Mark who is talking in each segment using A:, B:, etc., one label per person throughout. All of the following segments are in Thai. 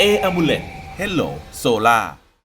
A: Amulet Hello Solar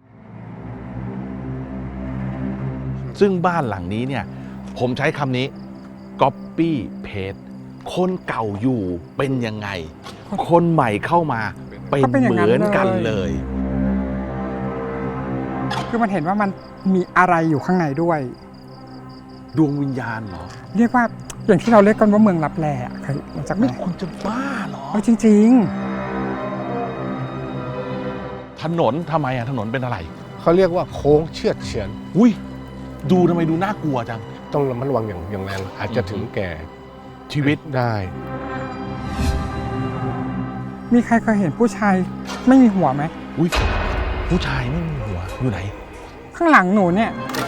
B: ซึ่งบ้านหลังนี้เนี่ยผมใช้คำนี้ copy paste คนเก่าอยู่เป็นยังไง คนใหม่เข้ามาเป็นเหมือนกันเลย
C: คือมันเห็นว่ามันมีอะไรอยู่ข้างในด้วย
B: ดวงวิญญาณเหรอ
C: เรียกว่าอย่างที่เราเรียกกันว่าเมืองลับแลเคยรู้จักไหม
B: นี่คุณจะบ้าเหรอ
C: จริง
B: ถนนทำไมอะถนนเป็นอะไร
D: เขาเรียกว่าโค้งเชือดเฉือน
B: อุ้ยดูทำไมดูน่ากลัวจัง
D: ต้องระมัดระวังอย่างแรงอาจจะถึงแก่
B: ชีวิต
D: ได้
C: ๆ มีใครเคยเห็นผู้ชายไม่มีหัวไหม
B: อุ้ยผู้ชายไม่มีหัวอยู่ไหน
C: ข้างหลังหนูเนี่ย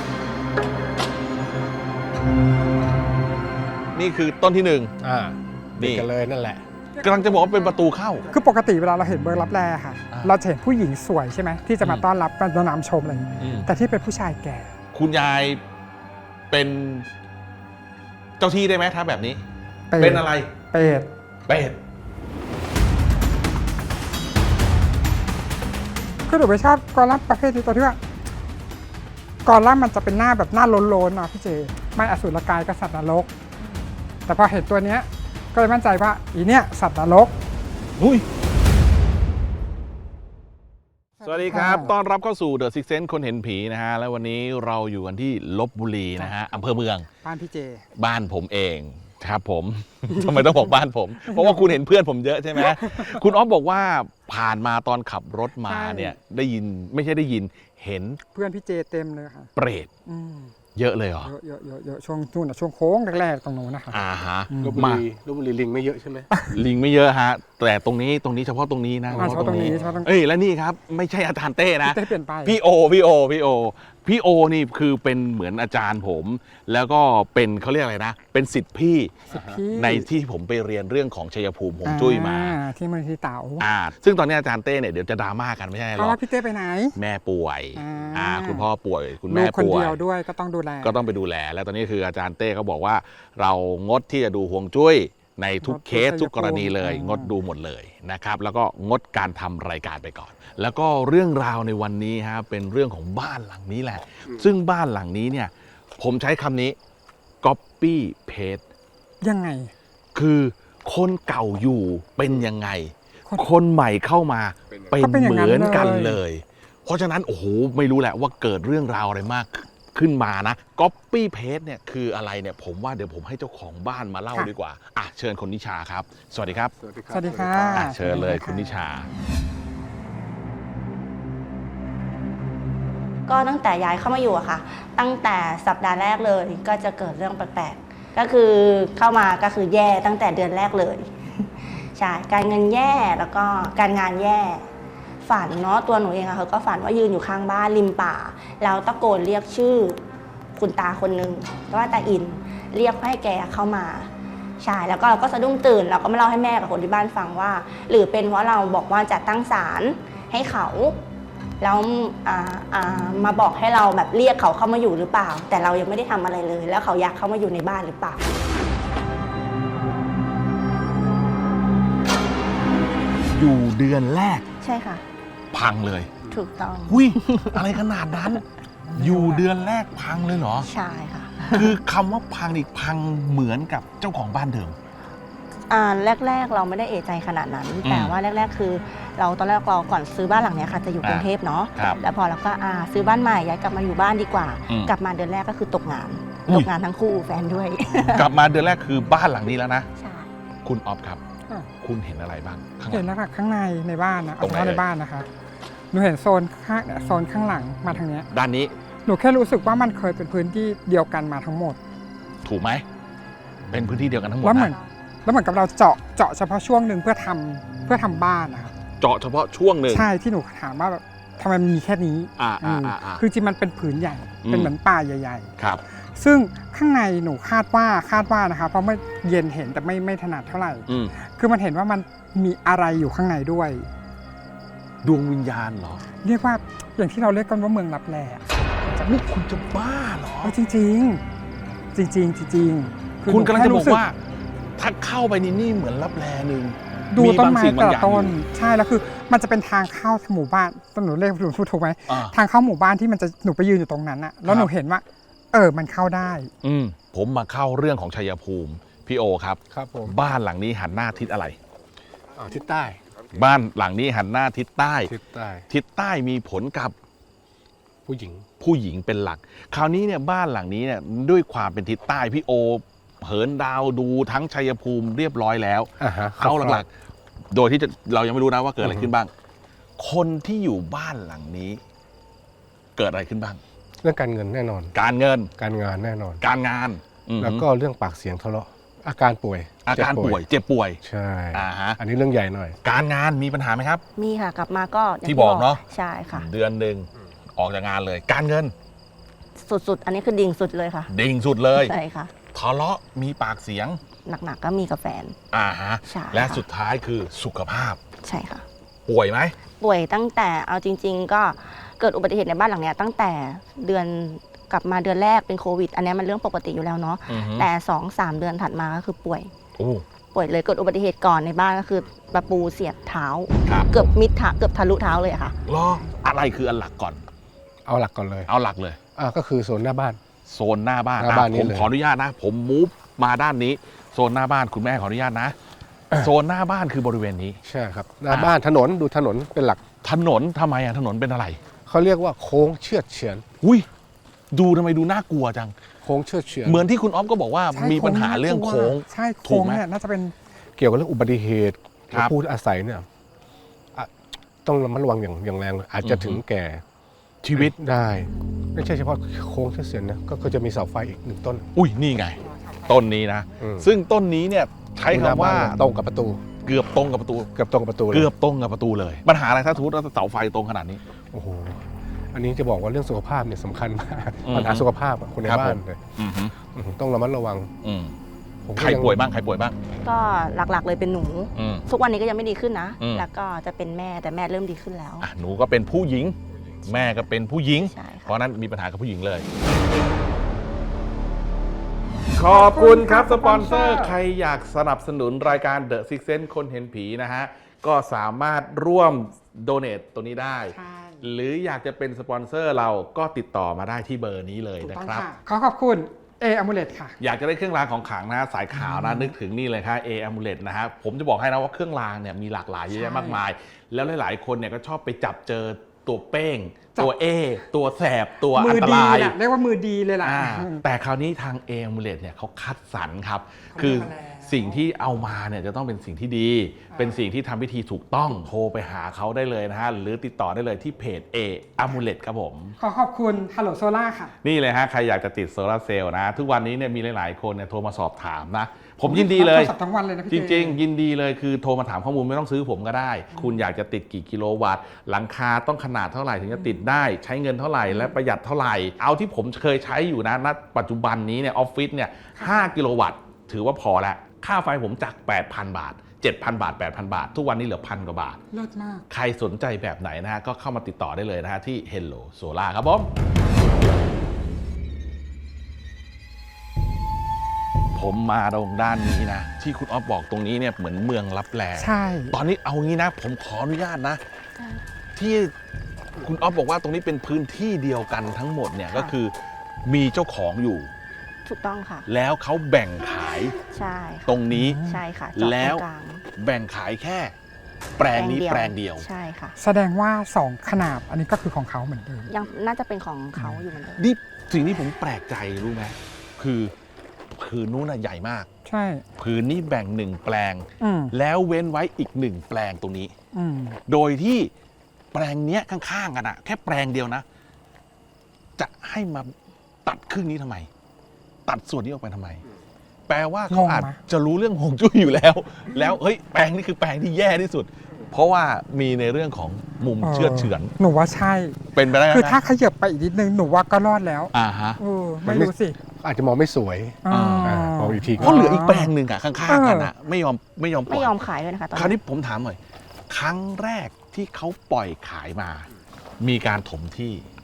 B: นี่คือต้นที่หนึ่ง
D: นี่กันเลยนั่นแหละ
B: กำลังจะบอกว่าเป็นประตูเข้า
C: คือปกติเวลาเราเห็นเมืองลับแลค่ะ
B: อ่า
C: เราจะเห็นผู้หญิงสวยใช่ไหมที่จะมาต้อนรับมาน้ำชมอะไรอย่างนี้
B: อืม
C: แต่ที่เป็นผู้ชายแก่
B: คุณยายเป็นเจ้าที่ได้ไหมถ้าแบบนี้
C: เป็
B: เป็นอะไร
C: เป็ด
B: เป็ด
C: คือหนูไปชอบกอลัมน์ประเภทที่ตัวที่ว่ากอลัมน์มันจะเป็นหน้าแบบหน้าโลนๆอ่ะพี่เจไม่อสูรกายกับสัตว์นรก แต่พอเห็นตัวเนี้ยก็เลยมั่นใจว่าอีเนี้ยสัตว์นรก
B: อุ้ยสวัสดีครับต้อนรับเข้าสู่ The Sixth Sense คนเห็นผีนะฮะ แล้ววันนี้เราอยู่กันที่ลพบุรีนะฮะอำเภอเมือง
C: บ้านพี่เจ
B: บ้านผมเองครับผม ทำไมต้องบอกบ้านผม เพราะว่าคุณเห็นเพื่อนผมเยอะใช่ไหม คุณอ๊อฟบอกว่าผ่านมาตอนขับรถมาเนี่ยได้ยินไม่ใช่ได้ยินเห็น
C: เพื่อนพี่เจเต็มเลยค่ะ
B: เปรต
C: อืม
B: เยอะเลยเหรอ
C: เยอะช่วงนู่นนะช่วงโค้งแรกๆตรงนู้นนะคะ
B: อ่าฮะ
D: ลพบุ
B: มา
D: รีลิงไม่เยอะใช่ไหม
B: ลิงไม่เยอะฮะ แต่ตรงนี้เฉพาะตรงนี้นะ
C: เฉพาะตรงนี้เฉพาะตรงนี้
B: เอ้ยและนี่ครับไม่ใช่อาจารย์เต้นะ
C: พี่เต้เปลี่ยนไป
B: พี่โอนี่คือเป็นเหมือนอาจารย์ผม แล้วก็เป็นเขาเรียกอะไรนะ เป็นศิษย์พี่
C: พี่
B: ในที่ผมไปเรียนเรื่องของชัยภูมิฮวงจุ้ยมา
C: ที่มูลนิธิเต๋า
B: ซึ่งตอนนี้อาจารย์เต้เนี่ยเดี๋ยวจะดราม่ากันไม่ใช่หร
C: เพราะ
B: อก
C: ว่าพี่เต้ไปไหน
B: แม่ป่วย คุณพ่อป่วย คุณ
C: ลู
B: แม่
C: กคน
B: ป่วย
C: เดียวด้วยก็ต้องดูแล
B: ก็ต้องไปดูแล แล้วตอนนี้คืออาจารย์เต้เขาบอกว่า เรางดที่จะดูฮวงจุ้ยในทุกเคสทุกกรณีเลย งดดูหมดเลยนะครับ แล้วก็งดการทำรายการไปก่อน แล้วก็เรื่องราวในวันนี้ฮะเป็นเรื่องของบ้านหลังนี้แหละ ซึ่งบ้านหลังนี้เนี่ยผมใช้คำนี้ copy paste
C: ยังไง
B: คือคนเก่าอยู่เป็นยังไง คนใหม่เข้ามาเป็น
C: ก็เป็นอย่าง
B: เห
C: นั้น
B: มือนกัน
C: เลย
B: เลย เพราะฉะนั้นโอ้โหไม่รู้แหละว่าเกิดเรื่องราวอะไรมากขึ้นมานะ copy paste เนี่ยคืออะไรเนี่ยผมว่าเดี๋ยวผมให้เจ้าของบ้านมาเล่าดีกว่าอ่ะเชิญคุณนิชาครับ สวัสดีครับ
D: สวัสดีครับ
C: สวัสดีค่ะ
B: อ่ะเชิญเลยคุณนิชา
E: ก็ตั้งแต่ย้ายเข้ามาอยู่อะค่ะ ตั้งแต่สัปดาห์แรกเลยก็จะเกิดเรื่องแปลกๆ ก็คือเข้ามาก็คือแย่ตั้งแต่เดือนแรกเลย ใช่ การเงินแย่แล้วก็การงานแย่ ฝันเนาะตัวหนูเองอะเขาก็ฝันว่ายืนอยู่ข้างบ้านริมป่า แล้วตะโกนเรียกชื่อคุณตาคนหนึ่งว่าตาอิน เรียกให้แกเข้ามา ใช่ แล้วก็เราก็สะดุ้งตื่นเราก็มาเล่าให้แม่กับคนที่บ้านฟังว่า หรือเป็นเพราะเราบอกว่าจะตั้งศาลให้เขาแล้วมาบอกให้เราแบบเรียกเขาเข้ามาอยู่หรือเปล่า แต่เรายังไม่ได้ทำอะไรเลย แล้วเขาอยากเข้ามาอยู่ในบ้านหรือเปล่า
B: อยู่เดือนแรก
E: ใช่ค่ะ
B: พังเลย
E: ถูกต้อง
B: อุ้ยอะไรขนาดนั้น อยู่เดือนแรกพังเลยเหรอ
E: ใช่ค่ะ
B: คือคำว่าพังนี่พังเหมือนกับเจ้าของบ้านเดิม
E: แรกๆเราไม่ได้เอะใจขนาดนั้น แต่ว่าแรกๆคือเราตอนแรกเราก่อนซื้อบ้านหลังเนี้ยค่ะจะอยู่กรุงเทพเนาะ
B: ครับ
E: แล้วพอเราก็ซื้อบ้านใหม่ย้ายกลับมาอยู่บ้านดีกว่า
B: อืม
E: กลับมาเดือนแรกก็คือตกงาน
B: อุ้ย
E: ตกงานทั้งคู่แฟนด้วย
B: กลับมาเดือนแรกคือบ้านหลังนี้แล้วนะ
E: ใช่
B: คุณออฟครับ
C: ค่ะ
B: คุณเห็นอะไรบ้างข้างห
C: เห็
B: ลั
C: น
B: ง
C: แล้วค่ะข้างในบ้านนะ
B: ตรงไหน
C: เฉพาะใน
B: เอ่ย
C: บ้านนะคะหนูเห็นโซนข้างเนี่ยโซนข้างหลังมาทางเนี้ย
B: ด้านนี้
C: หนูแค่รู้สึกว่ามันเคยเป็นพื้นที่เดียวกันมาทั้งหมด
B: ถูกไหม เป็นพื้นที่เดียวกันทั้งหมด
C: แล้วเหมือน
B: นะ
C: กับเราเจาะเฉพาะช่วงหนึ่งเพื่อทำบ้านนะคะ
B: เจาะเฉพาะช่วงหนึ่ง
C: ใช่ที่หนูถามว่าแบบทำไมมันมีแค่นี้ คือจริงมันเป็นผืนใหญ่ เป็นเหมือนป่าใหญ่
B: ครับ
C: ๆ ซึ่งข้างในหนูคาดว่านะคะเพราะเมื่อเย็นเห็นแต่ไม่ถนัดเท่าไหร่
B: อืม
C: คือมันเห็นว่ามันมีอะไรอยู่ข้างในด้วย
B: ดวงวิญญาณเหรอ
C: เรียกว่าอย่างที่เราเรียกกันว่าเมืองลับแล
B: นี่คุณจะบ้าเหรอ
C: จริงๆ จริงๆ
B: คุณกำลังจะ
C: ห
B: บ
C: นู
B: อก
C: แค่รู้สึ
B: ว่า ถ้าเข้าไปนี่เหมือนรับแลหนึ่ง
C: ดูต้นไม้
B: บางสิ่ง
C: แต่
B: บางอ
C: ละ
B: ย่าง
C: ต้น
B: อยู่
C: ใช่แล้วคือมันจะเป็นทางเข้าหมู่บ้านหนูเรียกหนูพูดถูกไหม ทางเข้าหมู่บ้านที่มันจะหนูไปยืนอยู่ตรงนั้นอะแล้วหนูเห็นว่ามันเข้าได้
B: ผมมาเข้าเรื่องของชัยภูมิพี่โอครับ
D: ครับผม
B: บ้านหลังนี้หันหน้าทิศอะไร
D: ทิศใต้
B: บ้านหลังนี้หันหน้าทิศใต้
D: ทิศใต้
B: ทิศใต้มีผลกับ
D: ผู้หญิง
B: ผู้หญิงเป็นหลัก คราวนี้เนี่ยบ้านหลังนี้เนี่ยด้วยความเป็นทิศใต้พี่โอเหินดาวดูทั้งชัยภูมิเรียบร้อยแล้ว เอาหลักๆโดยที่เรายังไม่รู้นะว่าเกิดอะไรขึ้นบ้าง คนที่อยู่บ้านหลังนี้ เกิดอะไรขึ้นบ้าง
D: เรื่องการเงินแน่นอน
B: การเงิน
D: การงานแน่นอน
B: การงาน
D: แล้วก็เรื่องปากเสียงทะเลาะอาการป่วย
B: อาการป่วยเจ็บป่วย
D: ใช่
B: ฮะ
D: อันนี้เรื่องใหญ่หน่อย
B: การงานมีปัญหาไหมครับ
E: มีค่ะกลับมาก็ย่ง
B: ที่บอกเนอะ
E: ใช่ค่ะ
B: เดือนหนึ่งออกจากงานเลย การเงิน
E: สุดๆ อันนี้คือดิ่งสุดเลยค่ะ
B: ดิ่งสุดเลย
E: ใช่ค่ะ
B: ทะเลาะมีปากเสียง
E: หนักๆก็มีกับแฟน
B: ฮะ
E: ใช่
B: และ
E: ค่ะ
B: สุดท้ายคือสุขภาพ
E: ใช่ค่ะ
B: ป่วยไหม
E: ป่วยตั้งแต่เอาจริง ๆ ก็เกิดอุบัติเหตุในบ้านหลังเนี้ยตั้งแต่เดือนกลับมาเดือนแรกเป็นโควิด อันเนี้ยมันเรื่องปกติอยู่แล้วเนาะ แต่ 2-3 เดือนถัดมาก็คือป่วย ป่วยเลยเกิดอุบัติเหตุก่อนในบ้านก็คือประปูเสียบเท้า
B: ครับ
E: เกือบมิดเท้าเกือบทะลุเท้าเลยอะค่ะ
B: รออะไรคืออันหลักก่อน
D: เอาหลักก่อนเลย
B: เอาหลักเลย
D: ก็คือโซนหน้าบ้าน
B: โซนหน้าบ้าน
D: หน้าบ้าน
B: ผ
D: นี่
B: ม
D: เลย
B: ขออนุญาตนะ ผมมูฟมาด้านนี้ โซนหน้าบ้านคุณแม่ขออนุญาตนะ โซนหน้าบ้านคือบริเวณนี้
D: ใช่ครับหน้าบ้านถนนดูถนนเป็นหลัก
B: ถนนทำไมถนนเป็นอะไร
D: เขาเรียกว่าโค้งเชือดเฉือน
B: อุ้ยดูทำไมดูน่ากลัวจัง
D: โค้งเชือดเฉือน
B: เหมือนที่คุณอ๊อฟก็บอกว่า
C: ใช่
B: มีปัญหาเรื่องโค้ง
C: ใช่
B: ถู
C: โค้
B: ก
C: ง
B: ไหม
C: เนี่ยน่าจะเป็น
D: เกี่ยวกับเรื่องอุบัติเหตุ
B: ครับ
D: ผู้อาศัยเนี่ยต้องระมัดระวังอย่างแรงเลยอาจจะถึงแก่
B: ชีวิต
D: ได้ ไม่ใช่เฉพาะโค้งเชือดเฉือนนะก็จะมีเสาไฟอีก1 ต้น
B: อุ้ยนี่ไง ต้นนี้นะ ซึ่งต้นนี้เนี่ยใช้คำว่า
D: ตรงกับประตู
B: เกือบตรงกับประตู
D: เกือบตรงกับประตูเลย
B: เกือบตรงกับประตูเลย ปัญหาอะไรถ้าสมมติว่าเสาไฟตรงขนาดนี้
D: โอ้โหอันนี้จะบอกว่าเรื่องสุขภาพเนี่ยสำคัญมาก
B: อืม
D: ปัญหาสุขภาพอะคนใน
B: ครับ
D: บ้า
B: ผ
D: น
B: ม
D: เลย
B: อือฮึ
D: ต้องระมัดระวัง
B: อืม
D: ผมก็
B: ใครป่วยบ้างใครป่วยบ้าง
E: ก็หลักๆเลยเป็นหนู
B: อืม
E: ทุกวันนี้ก็ยังไม่ดีขึ้นนะ
B: อืม
E: แล้วก็จะเป็นแม่แต่แม่เริ่มดีขึ้นแล้ว
B: หนูก็เป็นผู้หญิง แม่ก็เป็นผู้หญิง
E: ใช่
B: เพ
E: ค่ะ
B: ราะฉะนั้นมีปัญหากับผู้หญิงเลย ขอบคุณครับสปอนเซอร์ใครอยากสนับสนุนรายการ The Six Sense คนเห็นผีนะฮะ ก็สามารถร่วมโดเน a ตัวนี้ได้
C: ใช่
B: หรืออยากจะเป็นสปอนเซอร์เราก็ติดต่อมาได้ที่เบอร์นี้เลย
C: ถูก
B: นะ
C: ต้อง
B: ครับ
C: ค่ะขอบคุณอมูเลตค่ะ
B: อยากจะได้เครื่องรางของขลังนะสายขาวนะนึกถึงนี่เลยครับA Amulet นะฮะผมจะบอกให้นะว่าเครื่องรางเนี่ยมีหลากหลายเยอะแยะมากมาย แล้วหลายๆคนเนี่ยก็ชอบไปจับเจอตัวเป้ง ตัวตัวแสบตัวอั
C: มื
B: น
C: อ
B: ต
C: ดี
B: ราย
C: แหละเรียกว่ามือดีเลยล่ะ
B: แต่คราวนี้ทาง A Amulet เนี่ยเขาคัดสรรครับ คือ
C: เขาเลือกมาแล้ว
B: สิ่งที่เอามาเนี่ยจะต้องเป็นสิ่งที่ดี เป็นสิ่งที่ทำพิธีถูกต้องโทรไปหาเขาได้เลยนะฮะหรือติดต่อได้เลยที่เพจ A Amulet ครับผม
C: ขอบคุณฮัลโหลโซล่าค่ะ
B: นี่เลยฮะใครอยากจะติดโซลาร์เซลล์นะ ทุกวันนี้เนี่ยมีหลาย ๆ คนเนี่ยโทรมาสอบถามนะ ผมยินดีเลย
C: รับโทรศัพท์ทั้งวันเลยนะพี่
B: จริง ๆ ยินดีเลยคือโทรมาถามข้อมูลไม่ต้องซื้อผมก็ได้ คุณอยากจะติดกี่กิโลวัตต์หลังคาต้องขนาดเท่าไหร่ถึงจะติดได้ใช้เงินเท่าไหร่และประหยัดเท่าไหร่ เอาที่ผมเคยใช้อยู่นะณปัจจุบันนี้เนี่ยออฟฟิศเนี่ย5กิโลวัตต์ถือว่าพอแล้วค่าไฟผมจาก 8,000 บาท 7,000 บาท 8,000 บาท ทุกวันนี้เหลือ1,000 กว่าบาท
C: เลิศมาก
B: ใครสนใจแบบไหนนะฮะก็เข้ามาติดต่อได้เลยนะฮะที่ Hello Solar ครับผม ผมมาตรงด้านนี้นะ ที่คุณอ๊อฟบอกตรงนี้เนี่ยเหมือนเมืองลับแล
C: ใช่
B: ตอนนี้เอางี้นะ ผมขออนุญาตนะ ที่คุณอ๊อฟบอกว่าตรงนี้เป็นพื้นที่เดียวกันทั้งหมดเนี่ยก็คือมีเจ้าของอยู่
E: ถูกต้องค่ะ
B: แล้วเขาแบ่งขาย
E: ใช่ค่ะ
B: ตรงนี้
E: ใช่ค่ะจอด
B: แล้ว
E: ตรงกลาง
B: แบ่งขายแค่แปลงนี้แปลงเดียว
E: ใช่ค่ะ
C: แสดงว่า2ขนาดอันนี้ก็คือของเขาเหมือนเดิม
E: ยังน่าจะเป็นของเขาอยู่เหมือนเดิม
B: นี่สิ่งที่ผมแปลกใจรู้ไหมคือผืนนู้นน่ะใหญ่มาก
C: ใช่
B: ผืนนี้แบ่ง1แปลง
C: อืม
B: แล้วเว้นไว้อีก1แปลงตรงนี้
C: อืม
B: โดยที่แปลงเนี้ยข้างๆกันอะแค่แปลงเดียวนะ จะให้มาตัดครึ่งนี้ทำไม ตัดส่วนนี้ออกไปทำไม แปลว่าเขาอาจจะรู้เรื่องฮวงจุ้ยอยู่แล้ว แล้วเฮ้ยแปลงนี้คือแปลงที่แย่ที่สุด เพราะว่ามีในเรื่องของมุมเชื่อดเฉือน
C: หนูว่าใช่
B: เป็นไปได้ไหม
C: คือถ้าขยับไปอีกนิดนึงหนูว่าก็รอดแล้ว
B: ฮะ
C: ไม่รู้สิ
D: อาจจะมองไม่สวย
C: อ่า
D: มองอีกที
B: เพราะเหลืออีกแปลงหนึ่งอะข้างๆกันอะไม่ยอมปล่
E: ไม่
B: อย
E: ยอมขายด้วยนะคะตอน
B: คราว
E: นี้
B: นี้ผมถามหน่อย ครั้งแรกที่เขาปล่อยขายมา มีการถมที่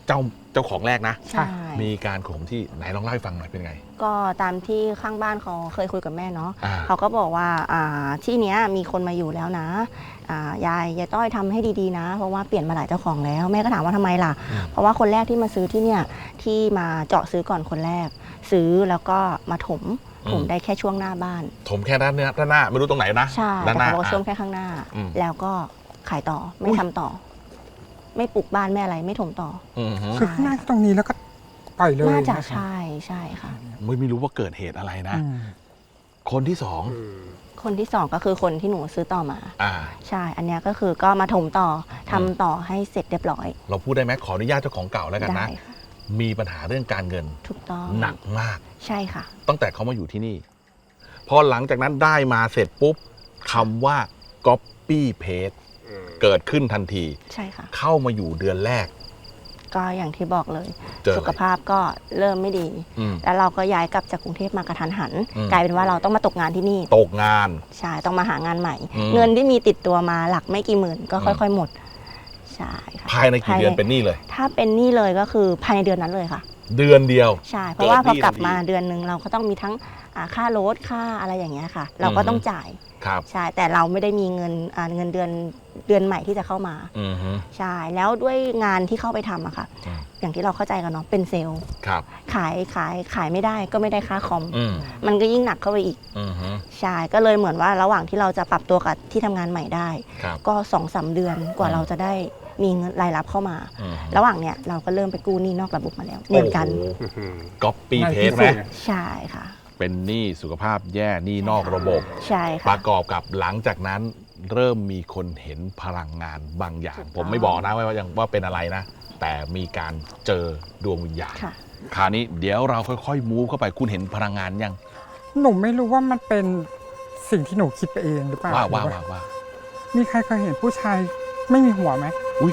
B: เจ้าของแรกนะ
E: ใช่
B: มีการข่มที่ไหนลองเล่าให้ฟังหน่อยเป็นไง
E: ก็ตามที่ข้างบ้านเขาเคยคุยกับแม่เนาะ
B: อ่า
E: เขาก็บอกว่าที่เนี้ยมีคนมาอยู่แล้วนะยายต้อยทำให้ดีๆนะ เพราะว่าเปลี่ยนมาหลายเจ้าของแล้วแม่ก็ถามว่าทำไมล่ะ เพราะว่าคนแรกที่มาซื้อที่เนี่ยที่มาเจาะซื้อก่อนคนแรก ซื้อแล้วก็มาถมได้แค่ช่วงหน้าบ้าน
B: ถมแค่ด้านหน้าไม่รู้ตรงไหนนะ
E: ใช่
B: ด้าน
E: แต่
B: หน้า
E: เขาบอกช่วงแค่ข้างหน้า
B: อืม
E: แล้วก็ขายต่อไม่ทำต่อ ไม่ปลูกบ้านไม่อะไรไม่ถมต่อ
B: อือฮึ
C: คือข้างหน้าตรงนี้แล้วก็ปล่อยเลย
E: น่าจะ
C: นะคะ
E: ใช่ค่ะ
B: ไม่รู้ว่าเกิดเหตุอะไรนะ
C: อืม
B: คนที่สอง
E: คนที่สองก็คือคนที่หนูซื้อต่อมา
B: อ่า
E: ใช่ อันเนี้ยก็คือก็มาถมต่อทำต่อให้เสร็จเรียบร้อย
B: เราพูดได้ไหมขออนุญาตเจ้าของเก่าแล้วกัน
E: ได้
B: นะ
E: ค่ะ
B: มีปัญหาเรื่องการเงิน
E: ถูกต้อง
B: หนักมาก
E: ใช่ค่ะ
B: ตั้งแต่เขามาอยู่ที่นี่ พอหลังจากนั้นได้มาเสร็จปุ๊บคำว่า copy paste เกิดขึ้นทันที
E: ใช่ค่ะ
B: เข้ามาอยู่เดือนแรก
E: ก็อย่างที่บอกเลย
B: เจออะไร
E: สุขภาพก็เริ่มไม่ดี
B: อืม
E: แล้วเราก็ย้ายกลับจากกรุงเทพมากระทันหัน
B: อืม
E: กลายเป็นว่าเราต้องมาตกงานที่นี่
B: ตกงาน
E: ใช่ ต้องมาหางานใหม่
B: อืม
E: เงินที่มีติดตัวมาหลักไม่กี่หมื่นก็ค่อยๆหมด ใช่ค่ะ
B: ภายในกี่เดือนเป็นหนี้เลย
E: ถ้าเป็นหนี้เลยก็คือภายในเดือนนั้นเลยค่ะ
B: เดือนเดียว
E: ใช่ เพราะว่าพอกลับมา
B: เกิดหนี้ทันที
E: เดือนหนึ่งเราก็ต้องมีทั้งค่ารถค่าอะไรอย่างเงี้ยค่ะ เราก็ต้องจ่าย
B: ครับ
E: ใช่ แต่เราไม่ได้มีเงินเดือนใหม่ที่จะเข้ามา
B: อือฮึ
E: ใช่ แล้วด้วยงานที่เข้าไปทำอะค่ะ
B: อืม
E: อย่างที่เราเข้าใจกันเนาะ เป็นเซลล์
B: ครับ
E: ขายไม่ได้ก็ไม่ได้ค่าคอม
B: อืม
E: มันก็ยิ่งหนักเข้าไปอีก
B: อือฮึ
E: ใช่ ก็เลยเหมือนว่าระหว่างที่เราจะปรับตัวกับที่ทำงานใหม่ได้
B: ครับ
E: ก็ 2-3 เดือนกว่าเราจะได้มีเงินรายรับเข้ามา
B: อือฮึ
E: ระหว่างเนี้ยเราก็เริ่มไปกู้หนี้นอกระบบมาแล้วเหมือนกัน
B: โอ้โห copy
C: ในที่
B: paste ไหม
C: สุด
E: ใช่ค่ะ
B: เป็นหนี้สุขภาพแย่หนี้นอกระบบ
E: ใช่
B: ป
E: ค่ะ
B: ระกอบกับหลังจากนั้นเริ่มมีคนเห็นพลังงานบางอย่าง
E: ถูกต้อง
B: ผมไม่บอกนะว่าเป็นอะไรนะ แต่มีการเจอดวงวิญญาณ
E: ค่ะ
B: คราวนี้เดี๋ยวเราค่อยๆมูฟเข้าไปคุณเห็นพลังงานยัง
C: หนูไม่รู้ว่ามันเป็นสิ่งที่หนูคิดไปเองหรือเปล่า
B: ว่า
C: มีใครเคยเห็นผู้ชายไม่มีหัวไหม
B: อุ้ย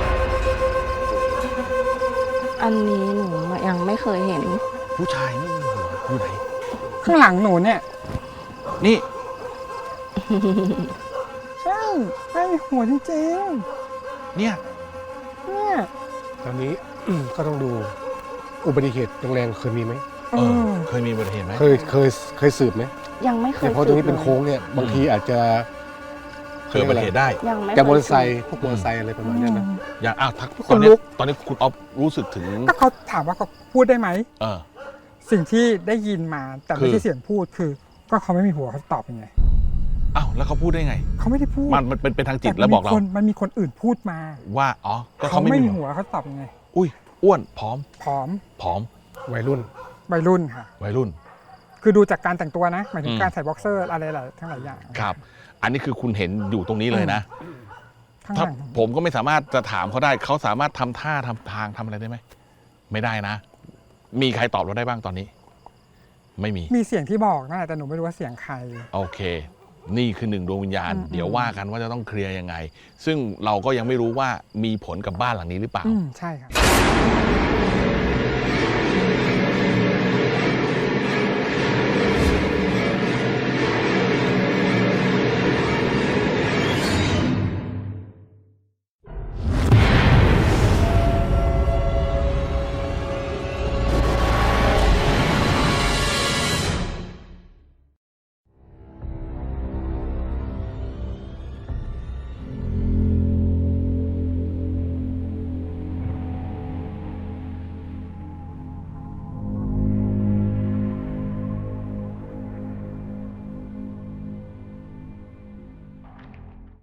E: อันนี้หนูยังไม่เคยเห็น
B: ผู้ชายไม่มีหัวอยู่ไหน
C: ข้างหลังหนูเนี่ย
B: นี่
C: ใช่ไม่มีหัวจริง
B: เนี่ย
C: ๆเนี่ย
D: ตอนนี้ ก็ต้องดูอุบัติเหตุแรงๆเคยมีไหม
C: เออ
B: เคยมีอุบัติเหตุไหม
D: เคยสืบไหม
E: ยังไม่เคย
D: เนี่ยเพราะตรงนี้เป็น
E: สืบลย
D: โค้งเนี่ยบางทีอาจจะ
B: เคยอุบัติเหตุได้
E: ยังไม่
D: แต่มอ
E: เค
D: เตอย ร์ไซ
E: สืบ
D: ค์พวกมอเตอร์ไซค์อะไรประมาณเนี้ยนะ
B: อย่างอ้าวทัก
C: ข
B: ตอน
C: น
B: นี้
C: ลุก
B: ตอนนี้คุณออฟรู้สึกถึง
C: ก็เขาถามว่าเขาพูดได้ไหม
B: เออ
C: สิ่งที่ได้ยินมาแต่
B: คื
C: ไม่
B: อ
C: ใช่เสียงพูดคือ ก็เขาไม่มีหัวเขาตอบยังไง
B: อ้าวแล้วเขาพูดได้ไง
C: เขาไม่ได้พูด
B: มันเป็นทางจิต
C: ต่
B: แล้วบอกเรา
C: มันมีคนอื่นพูดมา
B: ว่าอ๋อก็
C: เขา
B: เขา
C: ไม่
B: ไม่
C: มี
B: มีหั
C: หั
B: ว
C: วเขาตอบยังไง
B: อุ้ยอ้วนผอม
C: ผอม
B: ผอม
D: วัยรุ่น
C: วัยรุ่นค่ะ
B: วัยรุ่น
C: คือดูจากการแต่งตัวนะหมายถึ
B: อื
C: ง
B: ม
C: การใส่บ็อกเซอร์อะไรหลายทั้งหลายอย่าง
B: ครับ อันนี้คือคุณเห็นอยู่ตรงนี้เลยนะ
C: ข้างห
B: ถ้า
C: ลัง
B: ผมก็ไม่สามารถจะถามเขาได้ เขาสามารถทำท่าทำทางทำอะไรได้ไหม ไม่ได้นะ มีใครตอบเราได้บ้างตอนนี้ ไม่มี
C: มีเสียงที่บอกนะแต่หนูไม่รู้ว่าเสียงใคร
B: โอเค นี่คือหนึ่งดวงวิญญาณ
C: อืม
B: เดี๋ยวว่ากันว่าจะต้องเคลียร์ยังไง ซึ่งเราก็ยังไม่รู้ว่ามีผลกับบ้านหลังนี้หรือเปล่า
C: ใช่ครับ